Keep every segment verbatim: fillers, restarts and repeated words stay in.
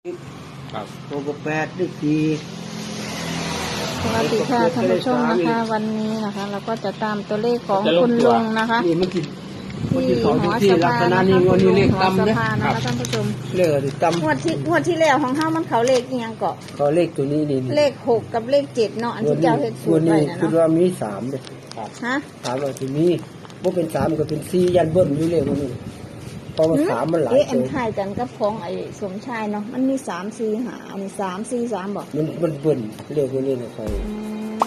ครับตัวกแปดได้สี่สวัสดีค่ะท่านผู้ชมนะคะ วันนี้นะคะ เราก็จะตามตัวเลขของคุณลุงนะคะนี่มันกินมันกินที่สองหอที่สลักภาษณะนะนี้คะวันคุณนี้ลุเลงขหอต่ำสเนี่ยภานะคะท่านผู้ชมเลขอะไรต่ำงวดที่งวดที่แล้วของเฮามันเขาเลขอีหยังเกาะเขาเลขตัวนี้นี่เลขหกกับเลขเจ็ดเนาะอันที่เจ้าเฮ็ดสูวัตนรไว้นี้นะคือเนาะว่ามีสามเลยฮะสามว่าที่มีบ่เป็นสามก็เป็นสี่ยันเบิ้ลอยู่เลขวันนี้เพราะว่าสามมันหลายเอ๊ะอัตันวถ่ายกันกับของไอ้สมชายเนาะมันมีสามสี่หาอันนี้สามสี่สามบอกมันมันเบิ้ลเลขวันนี้นะใครอืม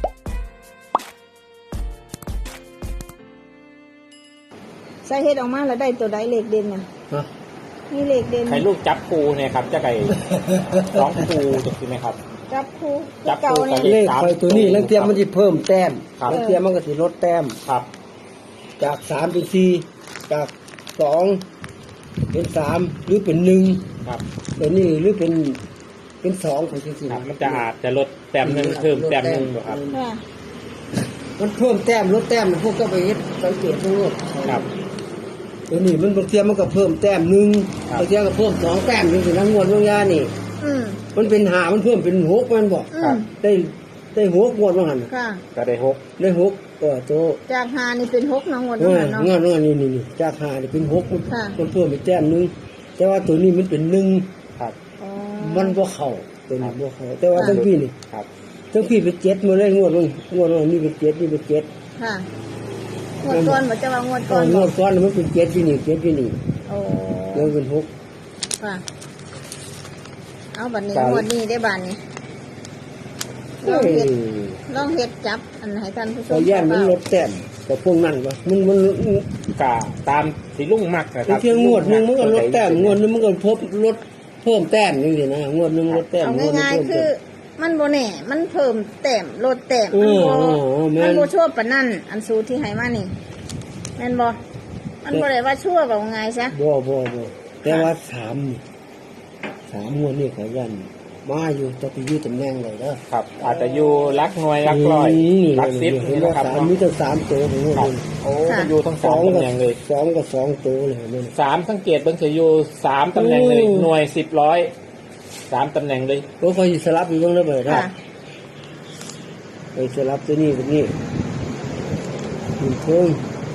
ใส่เฮ็ดออกมาแล้วได้ตัวใดเลขเด่นน่ะฮะนี่เลขเด่นใครลูกจับปูเนี่ยครับจะไก่ ร้องปูถูกไหมครับจับคู่จับคู่เก่าเนี่ยกับเลขใครตัวนี้แล้วเทียมมันจะเพิ่มแต้มครับแล้วเทียมมันก็จะลดแต้มครับจากสามเป็นสี่จากสองเป็นสามหรือเป็นหนึ่งครับตัวนี้หรือเป็นเป็นสองของจริงครับมันจะอาจจะลดแต้มหนึ่งเพิ่มแต้มหนึ่งอยู่ครับค่ะมันเพิ่มแต้มลดแต้มพวกก็ไปเฮ็ดสังเกตทั้งหมดครับตัวนี้มันบางเทียมันก็เพิ่มแต้มหนึ่งครับบางเทียก็เพิ่มสองแต้มนี่สินะงวดบางยานี่อืมมันเป็นหามันเพิ่มเป็นหกมันบอกอืครับมได้ได้หกงวดบางหันค่ะก็ได้หกได้หกก็โตจากหานี่เป็นหกเนาะงวดเอนั้นอเนาะงวดงวดนี่นี่นี่จากหานี่เป็นหกมันค่ะมันเพิ่มเป็นแต้มหนึ่งแต่ว่าตัวนี้มันเป็นหนึ่งครับอ๋อมันบ่เข้าตัวนี้บ่เข้าแต่ว่าทั้งพี่นี่ครับทั้งพี่เป็นเจ็ดมาเลยงวดลงงวดลงนี่เป็นเจ็ดนี่เป็นเจ็ดค่ะงวดก่อนบ่จะว่างวดตก่ออน นงบ่วดก่อนมันเป็นเจ็ดที่นี่เจ็ดที่นี่โอ้แล้วเป็นหกค่ะ เอาบัดนี้ครับงวดนี้ได้บาดนี้ลเฮ้องยเฮ็ดลองเฮ็ดจับอันให้ท่านผู้ชพอมแย่นมันลดแต้มแต่พวกนั้นวะมันมันกาตามสีลุ่งมักนะคบารังบทีงวดหนึงมันก็ลดแต้มงวดหนึงมันก็พบลดเพิ่มแต้มนี่สินะงวดหนึงลดแต้มเอางวดหนึงง่ายเพิ่มๆ คืแต้อมมันบ่แน่มันเพิ่มแต้มลดแต้มเอมันอบ่เออแม่นมันบ่ชั่วปานนั้นอันสูตรที่ให้มานี่แม่นบ่มันบ่ได้ว่าชั่วว่าง่ายซะบ่บ่บ่แต่ว่าสามนี่สามงวดนี่ขยันมาอยู่จะไปอยู่ตำแหน่งเลยเด้อครับ อาจจะอยู่รักหน่วยรักร้อยรักสิบเห็นี่นว่านะครับสามมีตั้งสามตัวของงวดครับนี้โอ้มันอยู่ทั้งสสออง งตำก็แหน่งเลยสองก็สองตัวเลยนี่สามสังเกตเบิ่งจะอยู่สามตำแหน่งเลยอืมหน่วยสิบร้อยสามตำแหน่งเลยก็คอยสลับอยู่เบ้างแล้วเบิดนะค่ะไปสลับตัวนี้กับนี้ขึ้นเทิง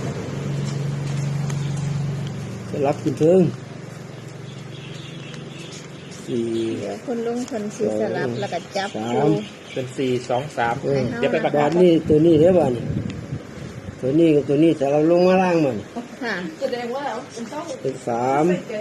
สลับขึ้นเทิงสี่เดี๋ยวคุณลุงคนสิสลับแล้วก็จับสาคู่มเป็นสี่สองสามเออเดี๋ยวไปประาบากทศนี่ตัวนี้ได้บ้านี่ตัวนี้กับตัวนี้สลับลงมาล่างมันค่ะเป็นสาม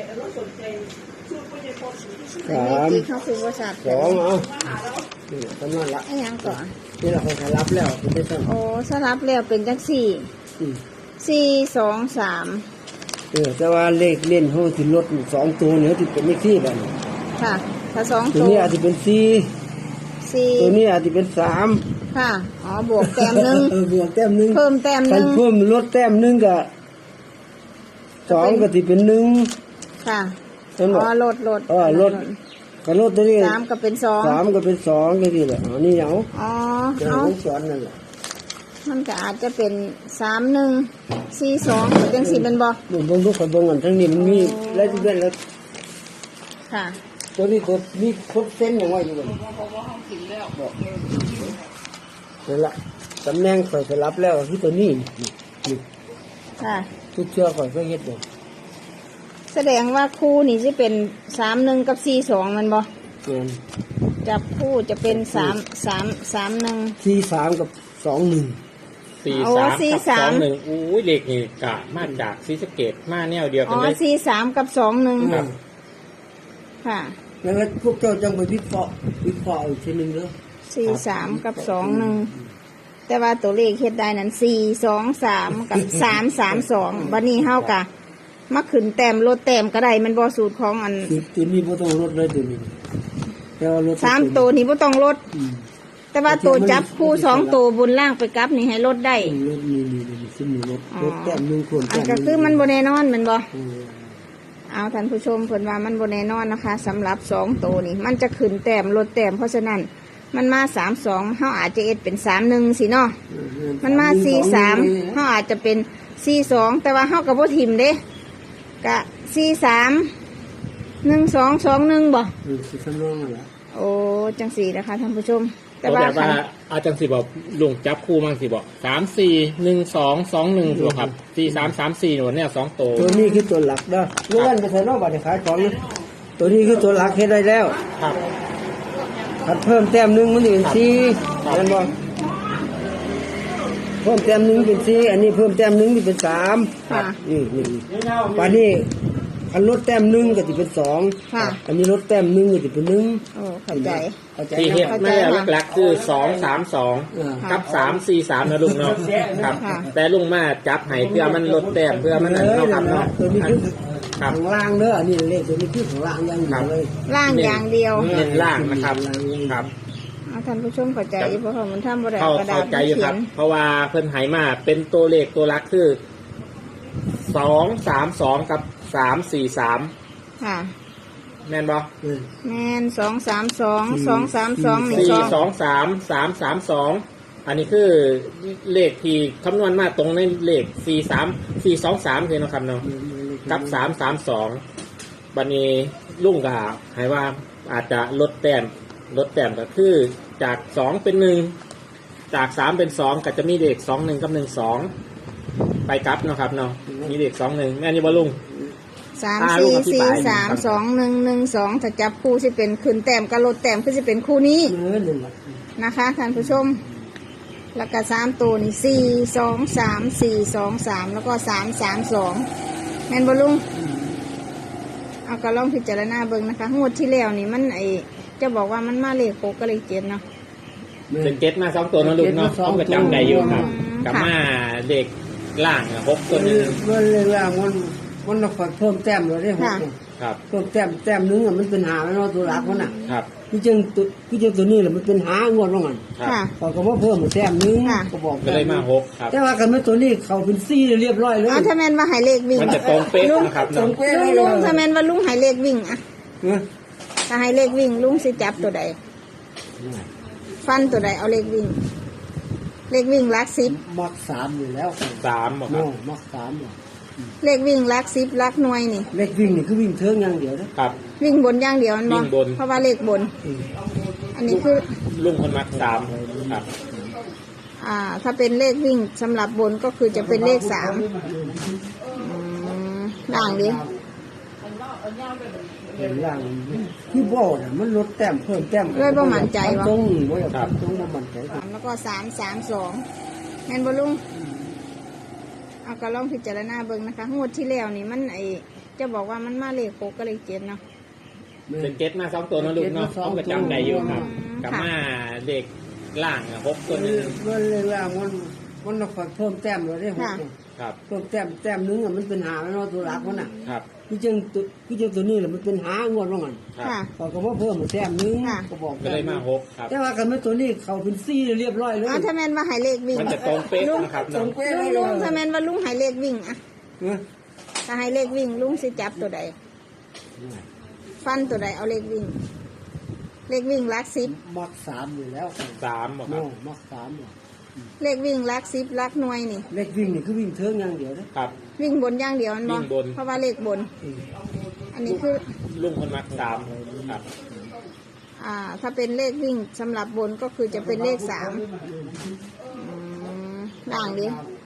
อันสานี้มที่เขาคือว่าสัตว์สองเอานี่ทำนั่นละไอ้หยังก่อนนี่เราสลับแล้วคุณได้สั่งโอ้สลับแล้วเป็นจังสี่อืมสี่สองสามเออแต่ว่าเลขเล่นเขาที่ลดสองตัวเนี่ยที่เป็นเลขที่บ้านค่ะ ถ้าสองตัวตัวนี้อาจจะเป็นสี่สี่ตัวนี้อาจจะเป็นสามค่ะ อ๋อ บวกแต้มหนึ่งเออบวกแต้มหนึ่งเพิ่มแต้มหคันนึ่งเพิ่มลดแต้มหนึ่งกับสองก็ที่เป็นหนึ่งค่ะเห็นอ๋บ่อลดลดเออลด ก็ลดตัวนี้สามก็เป็นสองสามก็เป็นสองก็ที่แหละอ๋อนี่เอาอ๋อจะเอาให้สอนนั่นแหละมันก็อาจจะเป็นสามหนึ่งสี่สองจังสี่เป็นบ่ดูเบิ่งดูคนเบิ่งกันทั้งนี้มันมีแล้วที่เป็นแล้วค่ะตัวนี้ตัวมีครบเส้นอย่างว่าอยู่บ่บอกนั่นละตำแหน่งข่อยสลับแล้วที่ตัวนี้นี่นี่ค่ะทุกเชื่อข่อยก็เฮ็ดบ่แสดงว่าคู่นี่จะเป็นสามหนึ่งกับสี่สองมันบ่เกินจับคู่จะเป็นสามสามสามหนึ่งสี่สามกับสองหนึ่งสี่โอ้สามสี่กับสสาอมงหนึ่งอู้ยเลขนี่กะมาจากซีสะเกตมาแนวเดียวอ๋กันอเลยสี่สามกับสองหนึ่งครับค่ะแล้วพวกเจ้าจังไปวิเคราะห์วิเคราะห์อีกทีหนึงเด้อสี่สามกับสองหนึ่งแต่ว่าตัวเลขเฮ็ดได้นั้นสี่สองสามกับสามสามสองบัดนี้เฮากะมาขึ้นแต้มลดแต้มก็ได้มันบ่สูตรของอันคือตัวนี้บ่ต้องลดเลยตัวนี้แต่ว่ารถสามตัวนี้บ่ต้องลดอืมแต่ว่าตัวจับคู่สองตัวบนล่างไปกลับนี่ให้ลดได้รถนี่นี่นี่ซึ่งมีรถอ๋อรถแต้มหนึงควรอันก็คือมันบ่แน่นอนแมันบ่เออเอาท่านผู้ชมเพิ่นว่ามันบ่แน่นอนนะคะสำหรับสองตัวนี่มันจะขึ้นแต้มลดแต้มเพราะฉะนั้นมันมาสามสองเฮาอาจจะเอ็ดเป็นสามหนึ่งสิเนาะมันมาสี่สามเฮาอาจจะเป็นสี่สองแต่ว่าเฮาก็บ่ทิมเด้กะสี่สามหนึ่งสองสองหนึ่งบ่อืมสิสำรองนั่นแหละโอ้จังสี่นะคะท่านผู้ชม แต่แต่ว่าแบบว่าอาจารย์สิบอกลุงจับคู่มั่งสิบอกสามสี่หนึ่งสองสองหนึ่งถูกครับสี่สามสามสี่หนูเนี่ยสองโตตัวนี้คือตัวหลักเด้อเลื่อนไปใส่นอกบัตรขายของนะตัวนี้คือตัวหลักเฮ็ดได้แล้วครับถ้าเพิ่มแต้มหนึ่งมันจะเป็นสี่เห็นบ่เพิ่มแต้มหนึ่งเป็นสี่อันนี้เพิ่มแต้มหนึ่งมันเป็นสามค่ะนี่นี่ป่านนี้อันลดแต้มหนึ่งก็จะเป็นสองค่ะอันนี้ลดแต้มหนึ่งก็จะเป็นหนึ่งโอ้เข้าใจเข้าใจที่นะเฮ็ดครับไม่ได้หลักๆคือสองสามสองอ่ากับสามสี่สามนะลุงเนาะครับค่ะแต่ลุงมาจับให้เพื่อมันลดแต้มเพื่อมันนั่นเนาะครับเนาะตัวนี้คือครับข้างล่างเด้ออันนี้เลขตัวนี้คือข้างล่างอย่างเดียวเลยล่างอย่างเดียวเน้นล่างนะครับครับเอาท่านผู้ชมเข้าใจเพราะว่ามันทำบ่ได้เข้าเอากระดาเข้าษใจมาอยู่เขีคยรับนเพราะว่าเพิ่นไหมาเป็นตัวเลขตัวลักคือสองสามสองกับสามสี่สามค่ะแม่นบ่เออแมนสองสามสองสองสามสองหนึ่งสี่สองสองสามสามสามสองอันนี้คือเลขที่คำนวณมาตรงในเลขสี่สามสี่สองสามเลยเนาะครับเนาะกับสามสามสองบันนี้ลุงก็ให้ว่าอาจจะลดแต้มลดแต้มก็คือจากสองเป็นหนึ่งจากสามเป็นสองก็จะมีเลขสองหนึ่งกับหนึ่งสองไปกลับเนาะครับเนาะมีเลขสองหนึ่งแม่นอยู่บ่ลุงสามอ่าลูสี่กอธิสี่บายสามสองหนึ่งหนึ่งสองถ้าจับคู่สิเป็นขึ้นแต้มกับลดแต้มคือสิเป็นคู่นี้เออนั่นแหละนะคะท่านผู้ชม แล้วก็สามตัวนี่สี่สองสามสี่สองสามแล้วก็สามสามสองแม่นบ่ลุงเอาก็ลองพิจารณาเบิ่งนะคะงวดที่แล้วนี่มันไอจะบอกว่ามันมาเลขหกก็เลขเจ็ดเนาะเป็นเจ็ดมาสองตัวเนาะลุงเนาะต้องประจำได้อยู่ครับอืมกับค่ะมาเลขล่างอะหกตัวหนึงมันเลยว่ามันมันต้องเพิ่มแต้มเลยได้หกเนี่ยครับเพิ่มแต้มแต้มหนึงอะมันเป็นหาแล้วเนาะตัวหลักมันน่ะครับพี่จังตัวพี่จังตัวนี้แหละมันเป็นหางวดลงกันครับค่ะพอก็ว่าเพิ่มแต้มหนึงค่ะก็บอกก็เลยมาหกครับแต่ว่ากันไม่ตัวนี้เขาเป็นซี่เรียบร้อยเลยเอาถ้าแม่นว่าให้เลขวิ่งมันจะตรงเป๊ะลุงนะครับตรเนาะงเป๊ะลุเลงยลุงถ้าแม่นว่าลุงให้เลขวิ่งอะเออถ้าให้เลขวิ่งลุงสิจับตัวใด ฟันตัวใดเอาเลขวิ่ง เลขวิ่งลักสิบมักสามอยู่แล้วสามบอกคโน่รับมักสามอยู่เลขวิ่งลักสิบลักหน่วยนี่เลขวิ่งนี่คือวิ่งเทิงอย่างเดียวนะครับวิ่งบนอย่างเดียวมันบวิ่อกงบนเพราะว่าเลขบนอืมอันนี้คือลุงคนมักสามครับอ่า ถ้าเป็นเลขวิ่งสำหรับบนก็คือจะเป็นเลขสามอืมด่างดิเห็นอย่างที่บอกน่ะมันลดแต้มเพิ่มแต้มเลยบ่มั่นใจวะตรงนี้บ่อยากตรงบ่มั่นใจสามแล้วก็สามสามสองแม่นบลุงเอาก็ลองพิจารณาเบิ่งนะคะงวดที่แล้วนี่มันไอจะบอกว่ามันมาเลขหกก็เลขเจ็ดเนาะเป็นเจ็ดมาสองตัวเนาะลุงเนาะต้องประจำได้อยู่ครับอืมกับค่ะมาเลขล่างอะหกตัวหนึงมันเลยว่ามันมันต้องเพิ่มแต้มเลยได้หกเนี่ยครับเพิ่มแต้มแต้มหนึงอะมันเป็นหาแล้วเนาะตัวหลักมันน่ะครับพี่จังตัวพี่จังตัวนี้แหละมันเป็นหางวดลงกันครับค่ะพอก็ว่าเพิ่มแต้มหนึงค่ะก็บอกก็เลยมาหกครับแต่ว่ากันไม่ตัวนี้เขาเป็นซี่เรียบร้อยเลยเอาถ้าแม่นว่าให้เลขวิ่งมันจะตรงเป๊ะลุงนะครับตรเนาะงเป๊ะลุเลงยลุงถ้าแม่นว่าลุงให้เลขวิ่งอะเออถ้าให้เลขวิ่งลุงสิจับตัวใด ฟันตัวใดเอาเลขวิ่ง เลขวิ่งลักสิบมักสามอยู่แล้วสามบอกครัโน่บมักสามอยู่เลขวิ่งลักสิบลักหน่วยนี่เลขวิ่งนี่คือวิ่งเทิงอย่างเดียวนะครับวิ่งบนอย่างเดียวมันบอวิ่งบนเพราะว่าเลขบนอืมอันนี้คือลุงคนมักสามครับอ่า ถ้าเป็นเลขวิ่งสำหรับบนก็คือจะเป็นเลขสามอืมด่างดิ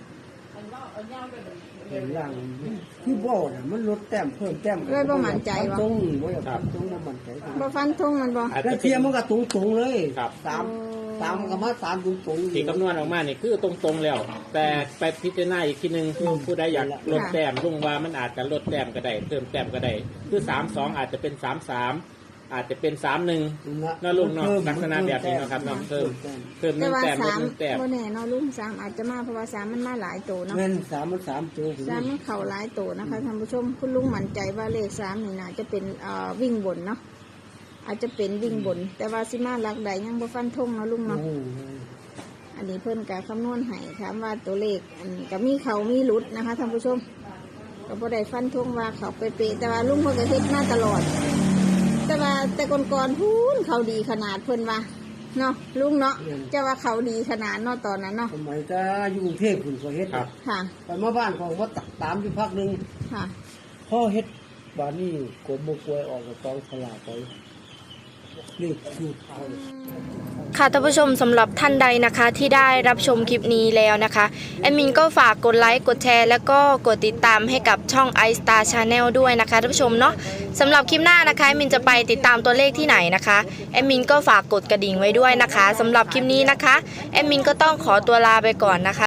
เห็นอย่างที่บอกน่ะมันลดแต้มเพิ่มแต้มเลยบ่มั่นใจวะตรงนี้บ่อยากตรงบ่มั่นใจบ่ฟันทงมันบออาจแล้วจะเทียมมันก็ตรงตรงๆเลยครับสามสามมันก็มาสามตรงตรงๆที่คำนวณออกมานี่คือตรงๆแล้ว แต่ไปพิจารณาอีกทีหนึ่งผู้ใดอยากลดแต้มลุงว่ามันอาจจะลดแต้มก็ได้เพิ่มแต้มก็ได้คือสามสองอาจจะเป็นสามสามอาจจะเป็นสามหนึ่ง น่าลุงเนาะลักษณะแบบนี้เนาะครับเนาะเพิ่ม เพิ่มหแต่นึ่งว่าแต้มลดสามหนึ่งแต้มบ่แน่เนาะลุงสามอาจจะมาเพราะว่าสามมันมาหลายตัวเนาะแม่นสามมันสามตัวสามมันเข่าหลายตัวนะคะท่านผู้ชมคุณลุงมั่นใจว่าเลขสามนี่น่าจะเป็นเอ่อวิ่งบนเนาะอาจจะเป็นวิ่งบน แต่ว่าสิมาหลักใดยังบ่ฟันธงเนาะลุงโอ้เนาะโหอันนี้เพิ่นกะคำนวณให้ถามว่าตัวเลขอันก็มีเขามีหลุดนะคะท่านผู้ชมก็บ่ได้ฟันธงว่าเขาเป๊ะๆแต่ว่าลุงเพิ่นก็เฮ็ดมาตลอด แต่ว่าแต่ก่อนๆพูนเขาดีขนาดเพิ่นว่าเนาะลุงเนาะจะว่าเขาดีขนาดเนาะตอนนั้นเนาะสมัยจะอยู่กรุงเทพคุณก็เฮ็ดครับค่ะไปมาบ้านของว่าตามอยู่พักหนึ่งค่ะพ่อเฮ็ดบานนี้กบมกวยออกกับกองสลากไปนี่คือเอาค่ะท่านผู้ชมสำหรับท่านใดนะคะที่ได้รับชมคลิปนี้แล้วนะคะแอดมินก็ฝากกดไลค์กดแชร์แล้วก็กดติดตามให้กับช่อง iStar Channel ด้วยนะคะท่านผู้ชมเนาะสำหรับคลิปหน้านะคะแอดมินจะไปติดตามตัวเลขที่ไหนนะคะแอดมินก็ฝากกดกระดิ่งไว้ด้วยนะคะสำหรับคลิปนี้นะคะแอดมินก็ต้องขอตัวลาไปก่อนนะคะ